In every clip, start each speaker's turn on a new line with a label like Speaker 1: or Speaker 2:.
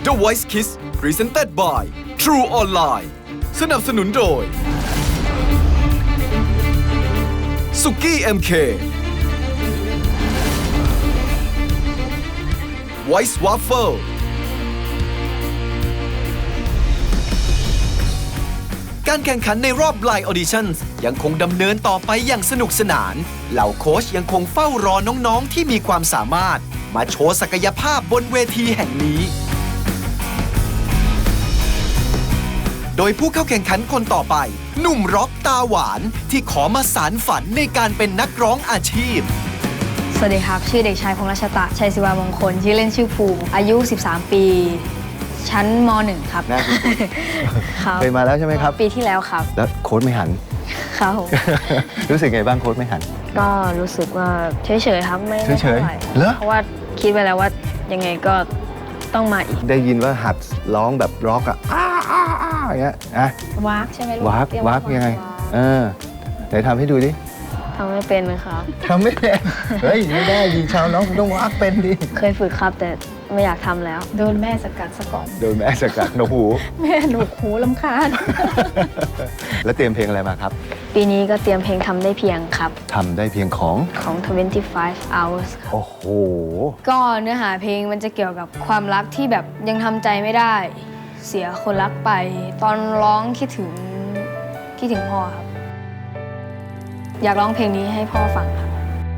Speaker 1: The Voice Kids Presented by True Online สนับสนุนโดยสุกี้ MK Voice Waffle การแข่งขันในรอบ Line Auditions ยังคงดำเนินต่อไปอย่างสนุกสนานเหล่าโค้ชยังคงเฝ้ารอน้องๆที่มีความสามารถมาโชว์ศักยภาพบนเวทีแห่งนี้โดยผู้เข้าแข่งขันคนต่อไปหนุ่มร็อกตาหวานที่ขอมาสานฝันในการเป็นนักร้องอาชีพ
Speaker 2: สวัสดีครับชื่อเด็กชายพงษ์รัชตะชัยศิวามงคลชื่อเล่นชื่อภูมิอายุ 13 ปีชั้นม.1 ครับ
Speaker 3: เคยมาแล้วใช่ไหมครับ
Speaker 2: ปีที่แล้วครับ
Speaker 3: แล้วโค้ชไม่หัน
Speaker 2: ครับ
Speaker 3: รู้สึกไงบ้างโค้ชไม่หัน
Speaker 2: ก็รู้สึกว่าเฉยๆครับไม่
Speaker 3: เฉยๆเหรอ
Speaker 2: เพราะว่าคิดไว้แล้วว่ายังไงก็ต้องมาอีก
Speaker 3: ได้ยินว่าหัดร้องแบบร็อกอะอย่างเงี้ยอะ
Speaker 2: วากใช่ไหมลูก
Speaker 3: วากยังไงไหนทำให้ดูดิ
Speaker 2: ทำไม่เป็นเลยครับ
Speaker 3: ทำไม่เป็นเฮ้ยไม่ได้ดีชาวน้องคุณต้องวากเป็นดิ
Speaker 2: เคยฝึกครับแต่ไม่อยากทำแล้วโดนแม่สกัดซะก่อน
Speaker 3: โดนแม่สกัดหนวกหู
Speaker 2: แม่หนวกหูรำคาญ
Speaker 3: แล้วเตรียมเพลงอะไรมาครับ
Speaker 2: ปีนี้ก็เตรียมเพลงทำได้เพียงครับ
Speaker 3: ทำได้เพียงของ
Speaker 2: 25 hours ครับ
Speaker 3: โอ้โห
Speaker 2: ก็เนื้อหาเพลงมันจะเกี่ยวกับความรักที่แบบยังทำใจไม่ได้เสียคนรักไปตอนร้องคิดถึงพ่อครับอยากร้องเพลงนี้ให้พ่อฟังครับ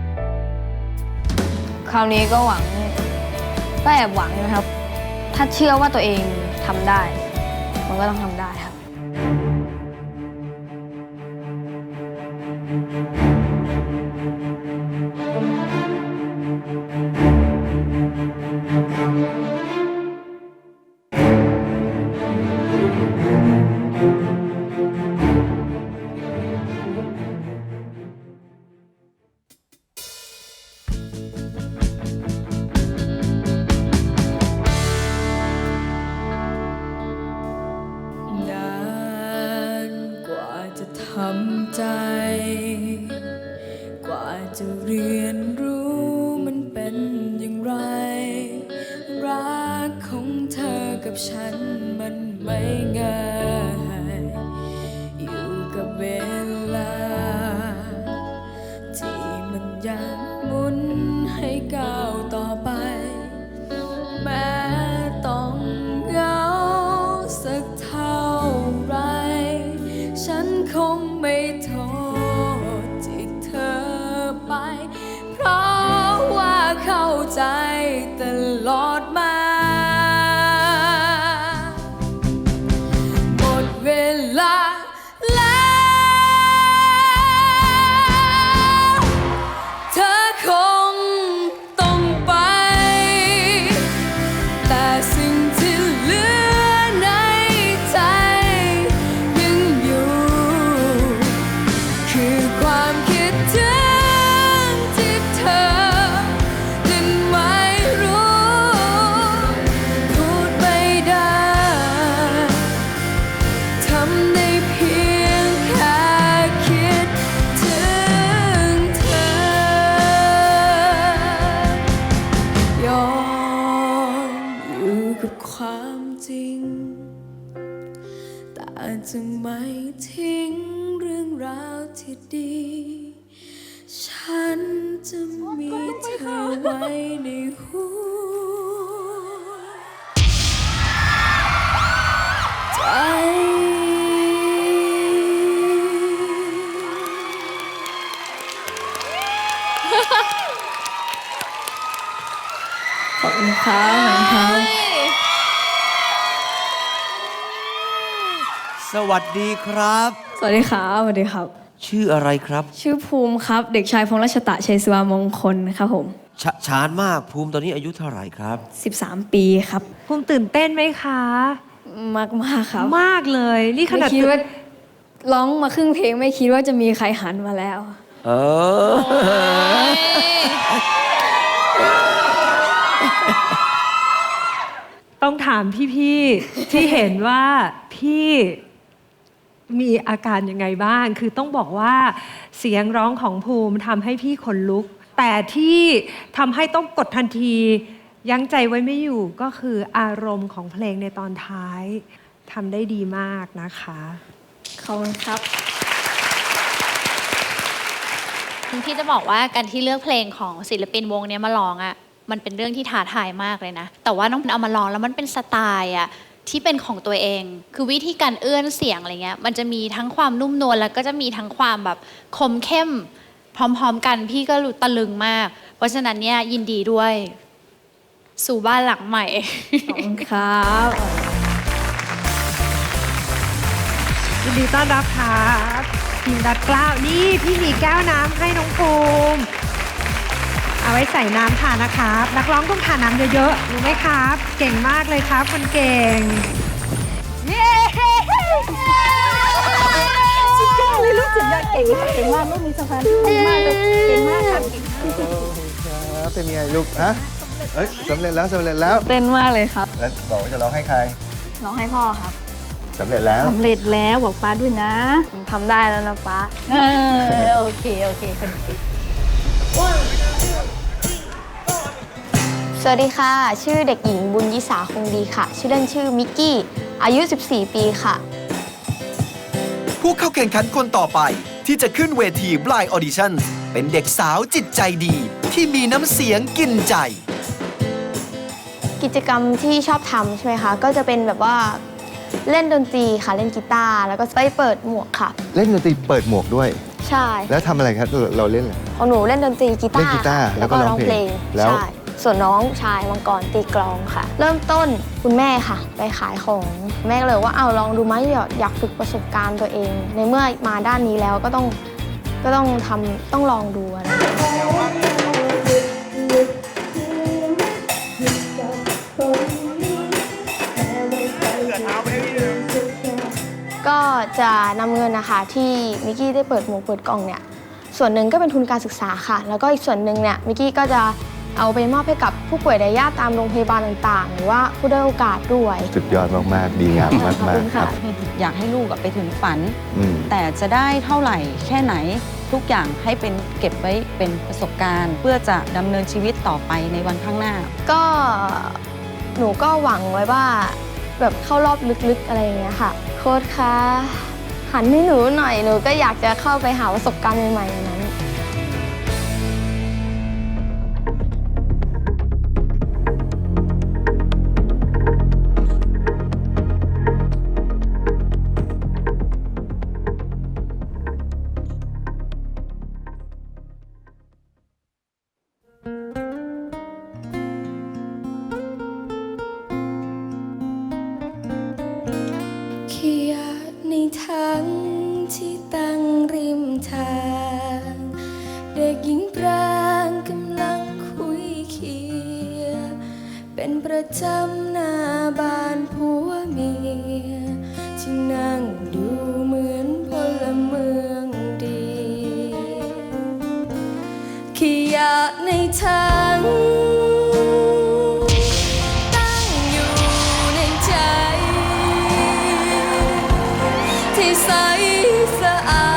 Speaker 2: คราวนี้ก็แอบหวังนะครับถ้าเชื่อว่าตัวเองทำได้มันก็ต้องทำได้ครับ
Speaker 4: ทำใจกว่าจะเรียนรู้มันเป็นอย่างไรรักของเธอกับฉันมันไม่ง่ายอยู่กับเวลาที่มันยังหมุนให้ก้าวต่อไปแม้ต้องเหงาสักเท่าไรฉันคงไม่โทษที่เธอไปเพราะว่าเข้าใจตลอดมาหมดเวลาแล้วเธอคงต้องไปแต่สิ่งที่เหลือในใจยังอยู่คือความคิดถึงที่เธอนั้นไม่รู้พูดไม่ได้ทำได้เพียงแค่คิดถึงเธอยอมอยู่กับความจริงแต่จะไม่ทิ้งเรื่องราวที่ดีฉันจะมีเธอไว้ในหัวใจขอบคุณครับ
Speaker 5: สวัสดีครับ
Speaker 2: สวัสดีครับสวัสดีครับ
Speaker 5: ชื่ออะไรครับ
Speaker 2: ชื่อภูมิครับเด็กชายพงษ์รัชตะชัยศิวามงคลครับผม
Speaker 5: ชานมากภูมิตอนนี้อายุเท่าไหร่ครับ
Speaker 2: 13 ปีครับ
Speaker 6: ภูมิตื่นเต้นไหมคะ
Speaker 2: มากครับ
Speaker 6: มากเลยนี่ขนาด
Speaker 2: ไม่คิดว่าร้องมาครึ่งเพลงไม่คิดว่าจะมีใครหันมาแล้ว
Speaker 6: ต้องถามพี่ๆที่เห็นว่าพี่มีอาการยังไงบ้างคือต้องบอกว่าเสียงร้องของภูมิทำให้พี่ขนลุก แต่ที่ทำให้ต้องกดทันทียั้งใจไว้ไม่อยู่ก็คืออารมณ์ของเพลงในตอนท้ายทำได้ดีมากนะคะ
Speaker 2: ขอบคุณครับ
Speaker 7: พี่จะบอกว่าการที่เลือกเพลงของศิลปินวงนี้มาร้องอ่ะมันเป็นเรื่องที่ท้าทายมากเลยนะแต่ว่าน้องเอามาร้องแล้วมันเป็นสไตล์อ่ะที่เป็นของตัวเองคือวิธีการเอื้อนเสียงอะไรเงี้ยมันจะมีทั้งความนุ่มนวลแล้วก็จะมีทั้งความแบบคมเข้มพร้อมๆกันพี่ก็รู้ตะลึงมากเพราะฉะนั้นเนี่ยยินดีด้วยสู่บ้านหลังใหม่
Speaker 2: ขอบคุณครับ
Speaker 6: ยินดีต้อนรับครับทีมดัดกล้าวนี่พี่มีแก้วน้ำให้น้องภูมิเอาไว้ใส่น้ำทานนะครับนักร้องต้องทานน้ำเยอะๆรู้ไหมครับ เก่งมากเลยครับคนเก่งเย้สุดยอดเลยลูกสุดยอดเก่งมากลูกมีสะพานเก่งมากเลยเก่งมากครับ
Speaker 3: ครับเป็นไงลูกฮะเอ้ยสำเร็จแล้ว
Speaker 2: เต้นมากเลยครับ
Speaker 3: แล้วบอกว่าจะร้องให้ใคร
Speaker 2: ร้องให้พ่อครับ
Speaker 3: สำเร็จแล้ว
Speaker 2: สำเร็จแล้วบอกป้าด้วยนะผมทำได้แล้วนะป้าโอเคคนเก่งสวัสดีค่ะชื่อเด็กหญิงบุญยิสาคงดีค่ะชื่อเล่นชื่อมิกกี้อายุ14 ปีค่ะ
Speaker 1: ผู้เข้าแข่งขันคนต่อไปที่จะขึ้นเวที Blind Audition เป็นเด็กสาวจิตใจดีที่มีน้ำเสียงกินใจ
Speaker 2: กิจกรรมที่ชอบทำใช่ไหมคะก็จะเป็นแบบว่าเล่นดนตรีค่ะเล่นกีตาร์แล้วก็ไปเปิดหมวกค่ะ
Speaker 3: เล่นดนตรีเปิดหมวกด้วย
Speaker 2: ใช่
Speaker 3: แล้วทำอะไรครับเราเล่นอะไร
Speaker 2: ของหนูเล่นดนตรีกีตาร์
Speaker 3: เล่นกีตาร์
Speaker 2: ค่ะ
Speaker 3: แล้วก็ร้องเพลงแล้ว
Speaker 2: ใช่ส่วนน้องชายมังกรตีกลองค่ะ เริ่มต้นคุณแม่ค่ะ ไปขายของแม่ก็เลยว่าเอาลองดูไหมอยากฝึกประสบการณ์ตัวเอง ในเมื่อมาด้านนี้แล้วก็ต้องลองดูอะไร ก็จะนำเงินนะคะที่มิกกี้ได้เปิดหมวกเปิดกล่องเนี่ยส่วนหนึ่งก็เป็นทุนการศึกษาค่ะแล้วก็อีกส่วนหนึ่งเนี่ยมิกกี้ก็จะเอาไปมอบให้กับผู้ป่วยไดอาตามโรงพยาบาลต่างๆ หรือว่าผู้ด้อยโอกาสด้วย
Speaker 3: สุดยอดมากๆดีงามมากๆครับ
Speaker 8: อยากให้ลูกไปถึงฝัน
Speaker 3: อืม
Speaker 8: แต่จะได้เท่าไหร่แค่ไหนทุกอย่างให้เป็นเก็บไว้เป็นประสบการณ์ เพื่อจะดำเนินชีวิตต่อไปในวันข้างหน้า
Speaker 2: ก็หนูก็หวังไว้ว่าแบบเข้ารอบลึกๆอะไรอย่างเงี้ยค่ะโค้ชคะหันให้หนูหน่อยหนูก็อยากจะเข้าไปหาประสบการณ์ใหม่ๆอย่างนั้น
Speaker 4: เขียนในถังที่ตั้งริมทางเด็กหญิงปรางกำลังคุยเคียเป็นประจำหน้าบ้านผัวเมียที่นั่งดูเหมือนพลเมืองดีเขียนในถังที่ใสสะอา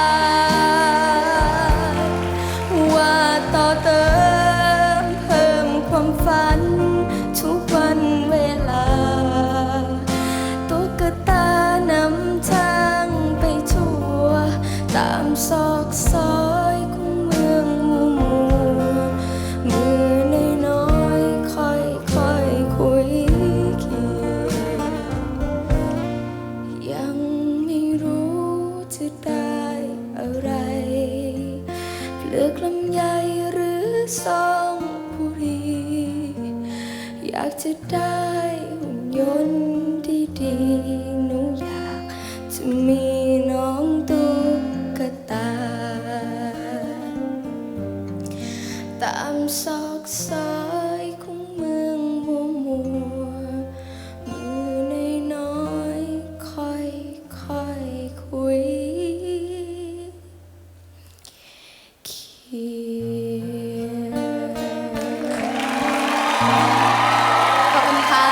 Speaker 4: ดว่าต่อเติมเพิ่มความฝันทุกวันเวลาตุ๊กตานำทางไปทั่วตามซอกซอยของเมืองมัวมือน้อยๆค่อยๆคุยเคียยังไม่รู้จะได้อะไรเปลือกลำไยหรือซองบุหรี่อยากจะได้หุ่นยนต์ดีๆหนูอยากจะมีน้องตุ๊กตาตามซอกซอยของเมืองมัวมือน้อยๆค่อยๆคุยเคียขอบคุณค่ะ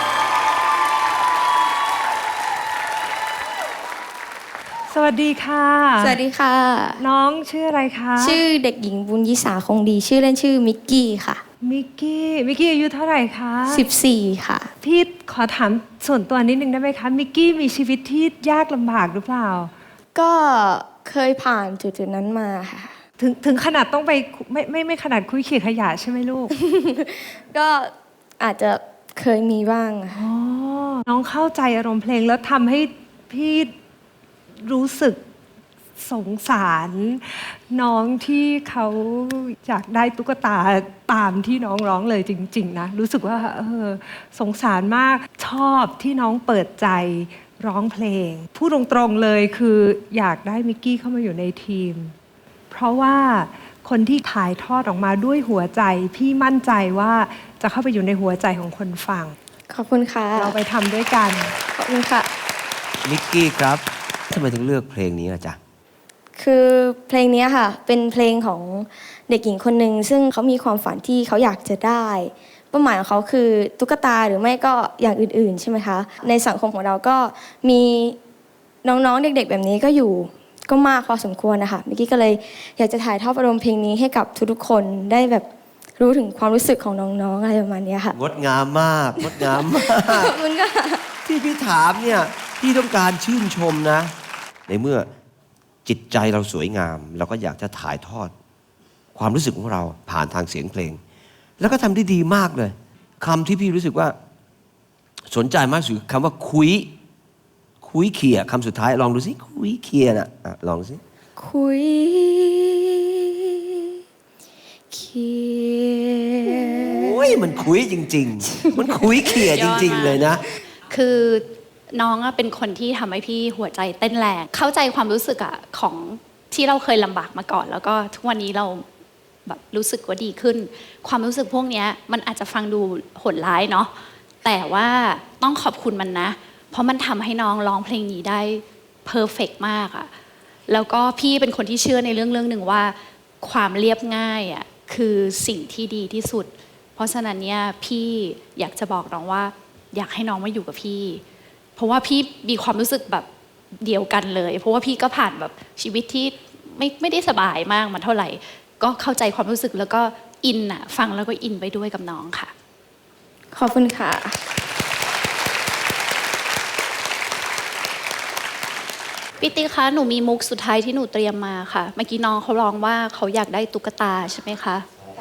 Speaker 6: สวัสดีค่ะ
Speaker 2: สวัสดีค่ะ
Speaker 6: น้องชื่ออะไรคะ
Speaker 2: ชื่อเด็กหญิงบุญยิสาคงดีชื่อเล่นชื่อมิกกี้ค่ะ
Speaker 6: มิกกี้อายุเท่าไหร่คะ
Speaker 2: 14 ค่ะ
Speaker 6: พี่ขอถามส่วนตัวนิดนึงได้ไหมคะมิกกี้มีชีวิตที่ยากลำบากหรือเปล่า
Speaker 2: ก็เคยผ่านจุดๆนั้นมาค่ะ
Speaker 6: ถึงขนาดต้องไปไม่ขนาดคุยเขี่ยขยะใช่ไหมลูก
Speaker 2: ก็อาจจะเคยมีบ้างค่ะ
Speaker 6: อ๋อ น้องเข้าใจอารมณ์เพลงแล้วทำให้พี่รู้สึกสงสารน้องที่เขาอยากได้ตุ๊กตาตามที่น้องร้องเลยจริงๆนะรู้สึกว่าสงสารมากชอบที่น้องเปิดใจร้องเพลงพูดตรงๆเลยคืออยากได้มิกกี้เข้ามาอยู่ในทีม เพราะว่าคนที่ถ่ายทอดออกมาด้วยหัวใจพี่มั่นใจว่าจะเข้าไปอยู่ในหัวใจของคนฟัง
Speaker 2: ขอบคุณค่ะ
Speaker 6: เราไปทำด้วยกัน
Speaker 2: ขอบคุณค่ะ
Speaker 5: มิกกี้ครับทำไมถึงเลือกเพลงนี้อะจ๊ะ
Speaker 2: คือเพลงนี้ค่ะเป็นเพลงของเด็กหญิงคนหนึ่งซึ่งเขามีความฝันที่เขาอยากจะได้เป้าหมายของเขาคือตุ๊กตาหรือไม่ก็อย่างอื่นๆใช่ไหมคะในสังคมของเราก็มีน้องๆเด็กๆแบบนี้ก็อยู่ก็มากพอสมควรนะคะเมื่อกี้ก็เลยอยากจะถ่ายทอดอารมณ์เพลงนี้ให้กับทุกๆคนได้แบบรู้ถึงความรู้สึกของน้องๆอะไรประมาณนี้ค่ะ
Speaker 5: งดงามมากงดงามมาก
Speaker 2: ขอบคุณค่ะ
Speaker 5: ที่พี่ถามเนี่ยพี่ต้องการชื่นชมนะ ในเมื่อจิตใจเราสวยงาม เราก็อยากจะถ่ายทอด ความรู้สึกของเราผ่านทางเสียงเพลง แล้วก็ทำได้ดีมากเลยคำที่พี่รู้สึกว่าสนใจมากสุดคำว่าคุยเขี่ยคำสุดท้ายลองดูสิคุยเขี่ยน่ะลองดูสิ
Speaker 2: คุยเขีย
Speaker 5: โอ้ยมันคุยจริง ๆ มันคุยเขี่ยจริง ๆ เลยนะ
Speaker 7: คือน้องเป็นคนที่ทำให้พี่หัวใจเต้นแรงเข้าใจความรู้สึกของที่เราเคยลำบากมาก่อน แล้วก็ทุกวันนี้เราแบบรู้สึกว่าดีขึ้น ความรู้สึกพวกนี้มันอาจจะฟังดูโหดร้ายเนาะแต่ว่าต้องขอบคุณมันนะเพราะมันทำให้น้องร้องเพลงนี้ได้เพอร์เฟกต์มากอะแล้วก็พี่เป็นคนที่เชื่อในเรื่องหนึ่งว่าความเรียบง่ายอะคือสิ่งที่ดีที่สุดเพราะฉะนั้นเนี่ยพี่อยากจะบอกน้องว่าอยากให้น้องมาอยู่กับพี่เพราะว่าพี่มีความรู้สึกแบบเดียวกันเลยเพราะว่าพี่ก็ผ่านแบบชีวิตที่ไม่ได้สบายมากมันเท่าไหร่ก็เข้าใจความรู้สึกแล้วก็อินอะฟังแล้วก็อินไปด้วยกับน้องค่ะ
Speaker 2: ขอบคุณค่ะ
Speaker 7: พี่ติ๊กคะหนูมีมุกสุดท้ายที่หนูเตรียมมาค่ะเมื่อกี้น้องเขาร้องว่าเขาอยากได้ตุ๊กตาใช่ไหมคะ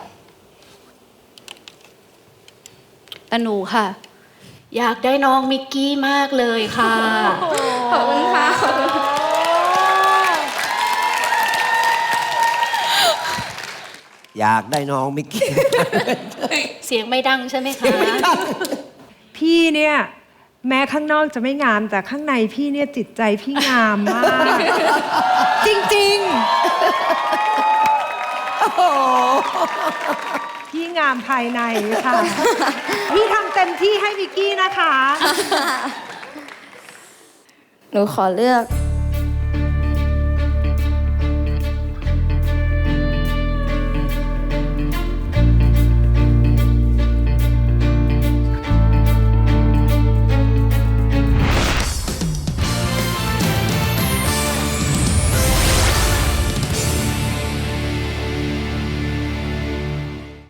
Speaker 7: แต่หนูค่ะอยากได้น้องมิกกี้มากเลยค่ะ
Speaker 2: ขอบคุณค่ะ
Speaker 5: อยากได้น้องมิกกี้
Speaker 7: เสียงไม่ดังใช่ไหมคะ
Speaker 6: พี่เนี่ยแม้ข้างนอกจะไม่งามแต่ข้างในพี่เนี่ยจิตใจพี่งามมาก จริงๆพี่งามภายในค่ะ พี่ทำเต็มที่ให้มิกกี้นะคะ
Speaker 2: หนูขอเลือก